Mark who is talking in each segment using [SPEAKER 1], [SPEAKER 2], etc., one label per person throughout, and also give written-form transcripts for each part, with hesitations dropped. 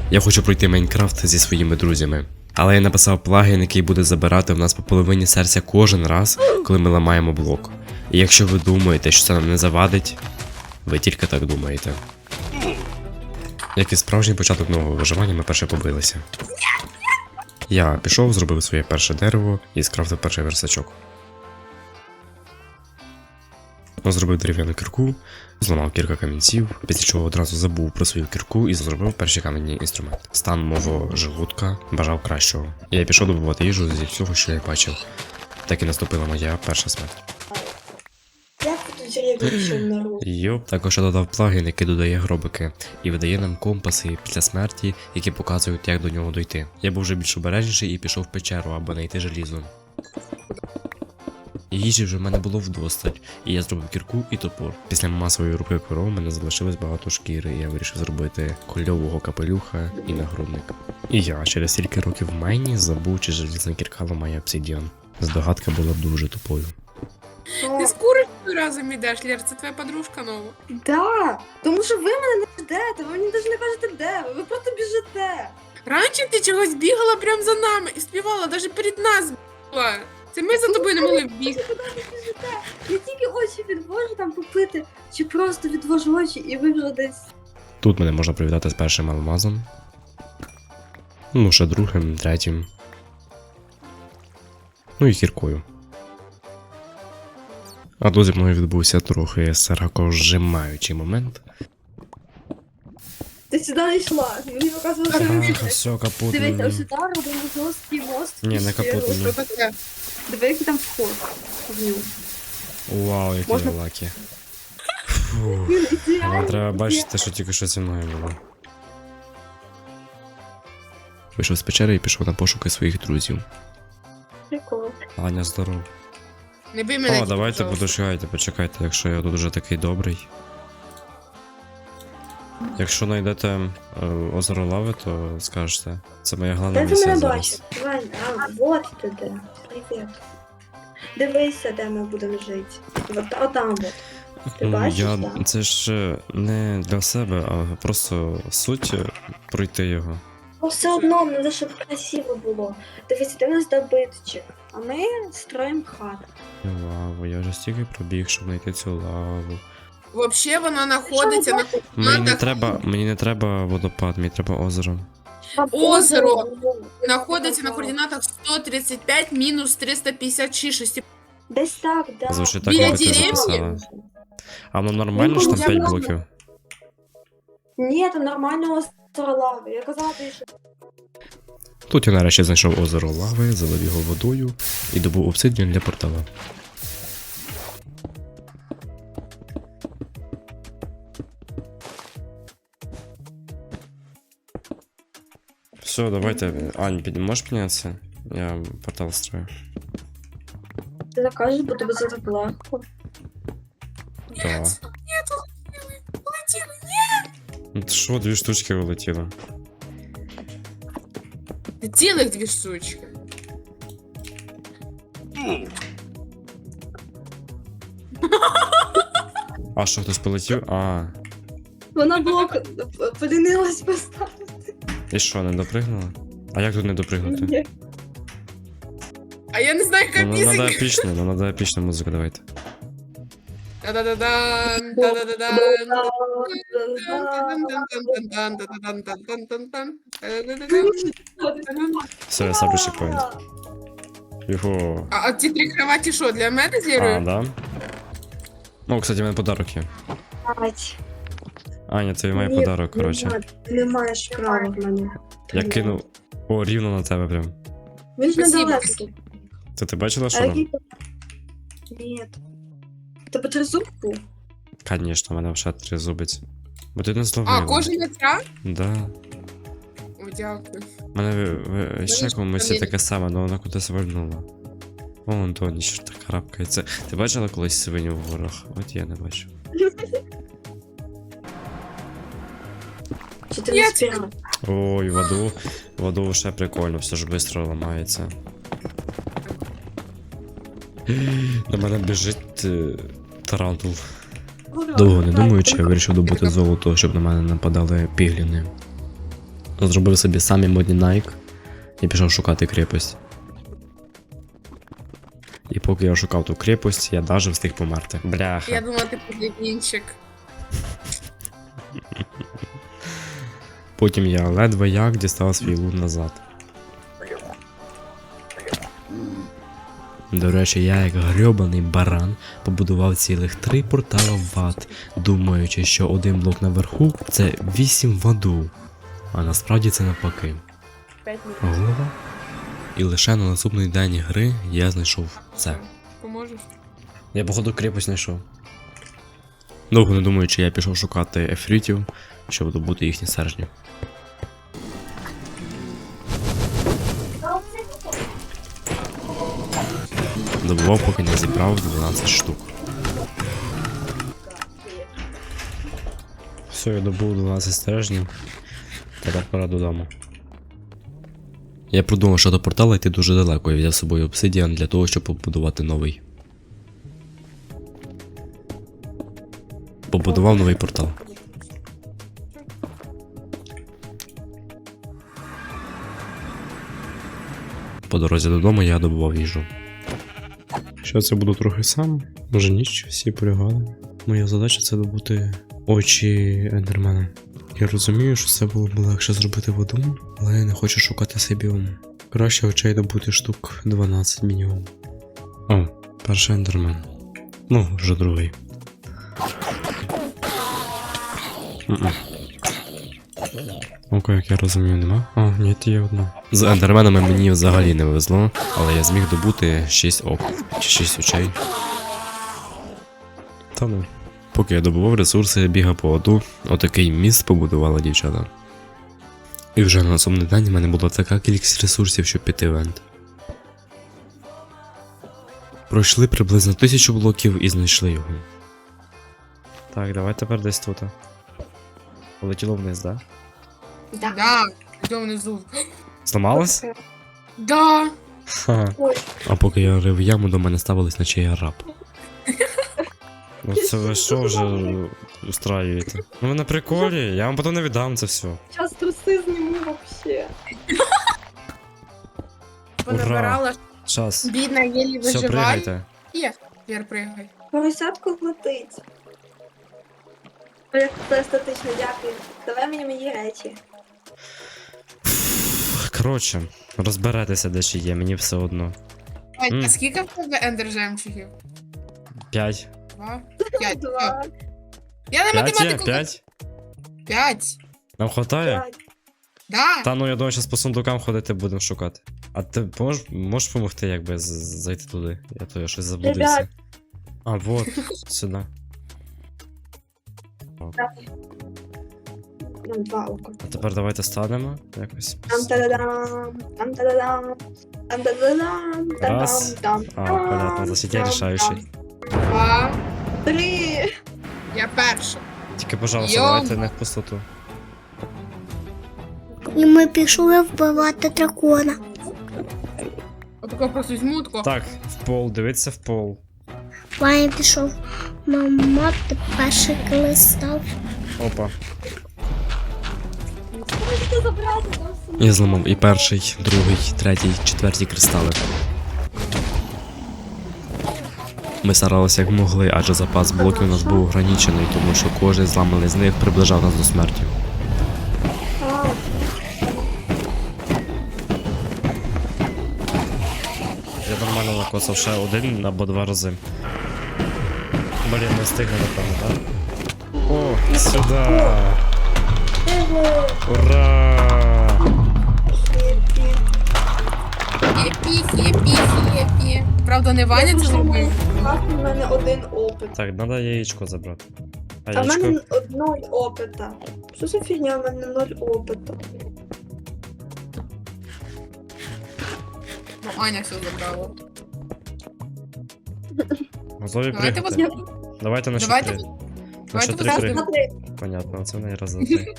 [SPEAKER 1] Я хочу пройти Майнкрафт зі своїми друзями. Але я написав плагін, який буде забирати в нас по половині серця кожен раз, коли ми ламаємо блок. І якщо ви думаєте, що це нам не завадить, ви тільки так думаєте. Як і справжній початок нового виживання, ми перше побилися. Я пішов, зробив своє перше дерево і скрафтив перший версачок. Зробив дерев'яну кірку, зламав кілька камінців, після чого одразу забув про свою кірку і зробив перший кам'яний інструмент. Стан мого желудка бажав кращого. І я пішов добувати їжу зі всього, що я бачив. Так і наступила моя перша смерть.
[SPEAKER 2] Як тут дерев'я народ?
[SPEAKER 1] Йоп, також я додав плагін, який додає гробики, і видає нам компаси після смерті, які показують, як до нього дойти. Я був вже більш обережніший і пішов в печеру, аби знайти желізо. Їжі вже в мене було вдосталь, і я зробив кірку і топор. Після масової руки коров в мене залишилось багато шкіри, і я вирішив зробити кольового капелюха і нагрудник. І я через стільки років в майні забув, чи желізна кірка ламає обсидіан. Здогадка була дуже тупою.
[SPEAKER 3] Ти з курочкою разом ідеш, Лєр, це твоя подружка нова.
[SPEAKER 2] Да, тому що ви мене не ждете, ви мені навіть не кажете, де ви просто біжите.
[SPEAKER 3] Раніше ти чогось бігала прямо за нами і співала, навіть перед нас була. Це ми за тобою не могли бігти.
[SPEAKER 2] Куди ви біжите? Я тільки очі відвожу там попити, чи просто відвожу очі, і ви вже десь.
[SPEAKER 1] Тут мене можна привітати з першим алмазом. Ну, ще другим, третім. Ну і кіркою. А тут зі мною відбувся трохи саракожимаючий момент.
[SPEAKER 2] Ти сюди не йшла, мені показували, що ви
[SPEAKER 1] Ага,
[SPEAKER 2] біжите.
[SPEAKER 1] все, капут
[SPEAKER 2] Дивіться,
[SPEAKER 1] мені.
[SPEAKER 2] ось сюди робимо жорсткий мост.
[SPEAKER 1] Ні, не капут мені.
[SPEAKER 3] Що таке?
[SPEAKER 2] Диви, який там вход в нього.
[SPEAKER 1] Вау, який
[SPEAKER 2] Можна?
[SPEAKER 1] я лакі. Фух.
[SPEAKER 2] Він
[SPEAKER 1] Але
[SPEAKER 2] ідеальний.
[SPEAKER 1] треба бачити, що тільки що зі мною було. Вийшов з печери і пішов на пошуки своїх друзів.
[SPEAKER 2] Прикол.
[SPEAKER 3] Ну,
[SPEAKER 1] Аня, здоров.
[SPEAKER 3] Не бий мене.
[SPEAKER 1] О, давайте
[SPEAKER 3] пожалуйста.
[SPEAKER 1] почекайте, якщо я тут уже такий добрий. Якщо знайдете озеро лави, то скажете. Це моя головна
[SPEAKER 2] Де ти
[SPEAKER 1] місія
[SPEAKER 2] мене
[SPEAKER 1] зараз.
[SPEAKER 2] бачиш? Вань, вот ти де. Привіт. Дивися, де ми будемо жити. Отам от. Ти бачиш,
[SPEAKER 1] я...
[SPEAKER 2] да?
[SPEAKER 1] Це ж не для себе, а просто суть пройти його.
[SPEAKER 2] Ну, все одно, треба, щоб красиво було. Дивіться, де в нас добитчик, а ми строїмо хату.
[SPEAKER 1] Лаву, я вже стільки пробіг, щоб знайти цю лаву.
[SPEAKER 3] Вообще вона знаходиться на
[SPEAKER 1] Мені не треба водопад, мені треба озеро.
[SPEAKER 3] Озеро знаходиться на координатах 135 мінус 356.
[SPEAKER 2] Десь так, да.
[SPEAKER 1] Звучить так,
[SPEAKER 3] Біля
[SPEAKER 1] як ти
[SPEAKER 3] деревні?
[SPEAKER 1] записала. А ну нормально, що там 5 блоків?
[SPEAKER 2] Ні, там нормально озеро лави. Я казала, ти що.
[SPEAKER 1] Тут я нарешті знайшов озеро лави, залив його водою і добув обсидіан для портала. Все, давайте. Ань, можеш піднятися? Я портал строю.
[SPEAKER 2] Ти так кажеш, бо тебе це так легко.
[SPEAKER 1] Да.
[SPEAKER 3] Полетіли.
[SPEAKER 1] Ну ти що, 2 штучки вилетіло?
[SPEAKER 3] Цілих 2 штучки.
[SPEAKER 1] А що, хтось полетів? А,
[SPEAKER 2] Вона блок полінилась поставити.
[SPEAKER 1] і що, не допригнула? А як тут не допригнути?
[SPEAKER 2] Ні.
[SPEAKER 3] А я не знаю, яка
[SPEAKER 1] Ну, надо
[SPEAKER 3] пісенька.
[SPEAKER 1] епічну, ну, надо епічну музику, давайте.
[SPEAKER 3] Та-да-да-дан, та-да-да-дан.
[SPEAKER 1] Все, я ставлю чекпоінт. Його.
[SPEAKER 3] А ці 3 кроваті що, для мене
[SPEAKER 1] А,
[SPEAKER 3] зірую?
[SPEAKER 1] да? О, кстати, у мене подарок є.
[SPEAKER 2] Бать.
[SPEAKER 1] Аня, тобі має
[SPEAKER 2] Ні,
[SPEAKER 1] подарок, коротше.
[SPEAKER 2] Ти не маєш права в мене.
[SPEAKER 1] Я кинув. О, рівно на тебе прям.
[SPEAKER 2] Він ж
[SPEAKER 3] Спасибо.
[SPEAKER 2] недалеко.
[SPEAKER 1] Це ти бачила,
[SPEAKER 2] А
[SPEAKER 1] що там?
[SPEAKER 2] який? Ні. Тебе тризуб був?
[SPEAKER 1] Конечно, в мене вже 3 зубиць. Бо ти не зловила.
[SPEAKER 3] А, кожен ця?
[SPEAKER 1] Да.
[SPEAKER 3] О, дякую.
[SPEAKER 1] У мене ще в комусь є таке саме, але вона кудись вальнула. О, Антоні, що ж так крапкається. Ти бачила колись свиню в горах? От я не бачу.
[SPEAKER 2] Чи ти
[SPEAKER 3] Я
[SPEAKER 2] не спіла?
[SPEAKER 1] Ой, воду ще прикольно, все ж швидко ламається. До мене біжить тарантул. Довго не думаючи, я вирішив добути золото, щоб на мене нападали пігліни. Зробив собі самі модні Nike і пішов шукати крепость. І поки я шукав ту крепость, я даже встиг померти. Бляха.
[SPEAKER 3] Я думала, ти подивінчик.
[SPEAKER 1] Потім я ледве як дістав свій лут назад. До речі, я як грьобаний баран побудував цілих 3 портала в ад, думаючи, що один блок наверху це 8 в аду. А насправді це навпаки.
[SPEAKER 3] 5 минут.
[SPEAKER 1] Голова. І лише на наступний день гри я знайшов це.
[SPEAKER 3] Поможеш?
[SPEAKER 1] Я походу крепость знайшов. Довго не думаючи, я пішов шукати ефритів, щоб добути їхні стержні. Добував, поки не зібрав 12 штук. Все, я добув 12 стержнів. Тепер пора додому. Я продумав, що до портала йти дуже далеко і взяв з собою обсидіан для того, щоб побудувати новий. Побудував новий портал. По дорозі додому я добував їжу. Що це буду трохи сам, може ніч, всі полягали. Моя задача це добути очі ендермена. Я розумію, що це було б легше зробити в одному, але я не хочу шукати цей біом. Краще очей добути штук 12 мінімум. О, перший ендермен. Ну, вже другий. Окей, як я розумію, нема. А, ні, є одна. З ендерменами мені взагалі не везло, але я зміг добути 6 ок, чи 6 очей. Та ну. Поки я добував ресурси, я бігав по аду, отакий міст побудувала дівчата. І вже на наступний день в мене була така кількість ресурсів, щоб піти в енд. Пройшли приблизно 1000 блоків і знайшли його. Так, давай тепер десь тут. Полетіло вниз, да?
[SPEAKER 3] Да, йдемо внизу.
[SPEAKER 1] Зламалось?
[SPEAKER 3] Да.
[SPEAKER 1] Ха.
[SPEAKER 2] Ой.
[SPEAKER 1] А поки я рив яму, до мене ставились, наче я раб. Ну це ви що вже устраюєте? Ну ви на приколі, я вам потім не віддам це все.
[SPEAKER 2] Сейчас труси зніму вообще.
[SPEAKER 3] Понабирала.
[SPEAKER 1] Щас.
[SPEAKER 3] Бідна, єлі
[SPEAKER 1] Все,
[SPEAKER 3] виживає.
[SPEAKER 1] пригайте.
[SPEAKER 3] Є. Вір, пригай.
[SPEAKER 2] Поросятку летить. Оля, це естетично, дякую. Давай мені мої речі.
[SPEAKER 1] Коротше, розберетеся, де ще є, мені все одно.
[SPEAKER 3] А скільки в тебе ендер жемчугів?
[SPEAKER 1] 5.
[SPEAKER 3] 2? 5.
[SPEAKER 2] 2,
[SPEAKER 3] Я на
[SPEAKER 1] 5 є?
[SPEAKER 3] математику.
[SPEAKER 1] 5?
[SPEAKER 3] 5.
[SPEAKER 1] Нам хватає?
[SPEAKER 2] 5.
[SPEAKER 3] Да.
[SPEAKER 1] Та ну я думаю, зараз по сундукам ходити будемо шукати. А ти можеш допомогти, якби зайти туди? Я щось заблудився.
[SPEAKER 2] Ребят.
[SPEAKER 1] А, вот, сюди.
[SPEAKER 2] Ну, 2 ока.
[SPEAKER 1] А тепер давайте станемо якось.
[SPEAKER 2] Там-та-да-дам, там-та-да-дам, там-та-да-дам,
[SPEAKER 1] Раз.
[SPEAKER 2] там-там.
[SPEAKER 1] А, понятно, значить я рішаючий.
[SPEAKER 3] 2.
[SPEAKER 2] 3.
[SPEAKER 3] Я перша.
[SPEAKER 1] Тільки, пожалуйста,
[SPEAKER 3] Йо.
[SPEAKER 1] давайте не в пустоту.
[SPEAKER 4] І ми пішли вбивати дракона.
[SPEAKER 3] Отако просто візьму, тако.
[SPEAKER 1] Так, в пол, дивіться в пол.
[SPEAKER 4] Ваня пішов. Мама, ти перший коли став.
[SPEAKER 1] Опа.
[SPEAKER 2] Можете забрати там сумку.
[SPEAKER 1] Я зламав і перший, другий, третій, четвертій кристали. Ми старалися як могли, адже запас блоків у нас був ограничений, тому що кожен зламаний з них приближав нас до смерті.
[SPEAKER 2] А,
[SPEAKER 1] Я нормально накосав ще один або 2 рази. Блін, не встигне, напевно, так? О, сюди! Ура!
[SPEAKER 3] Хепі. Правда, не Ваня це зробив.
[SPEAKER 2] У мене 1 опит.
[SPEAKER 1] Так, треба яєчко забрати. А
[SPEAKER 2] А в
[SPEAKER 1] яєчко...
[SPEAKER 2] мене 0 опита. Що за фігня? У мене 0 опита.
[SPEAKER 3] Ну, Аня все забрала.
[SPEAKER 1] Готові
[SPEAKER 3] Давайте
[SPEAKER 1] пригати?
[SPEAKER 3] вас...
[SPEAKER 1] Давайте на
[SPEAKER 3] Давайте...
[SPEAKER 1] 4. На
[SPEAKER 3] Давайте
[SPEAKER 1] 4
[SPEAKER 3] вас-
[SPEAKER 1] пригати.
[SPEAKER 2] Смотри,
[SPEAKER 1] Понятно, це не раз за 3.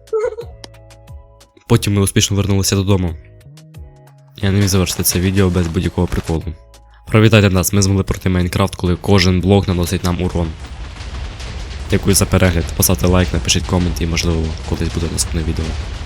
[SPEAKER 1] Потім ми успішно вернулися додому. Я не міг завершити це відео без будь-якого приколу. Привітайте нас, ми змогли пройти Майнкрафт, коли кожен блок наносить нам урон. Дякую за перегляд, поставте лайк, напишіть комент і можливо колись буде наступне відео.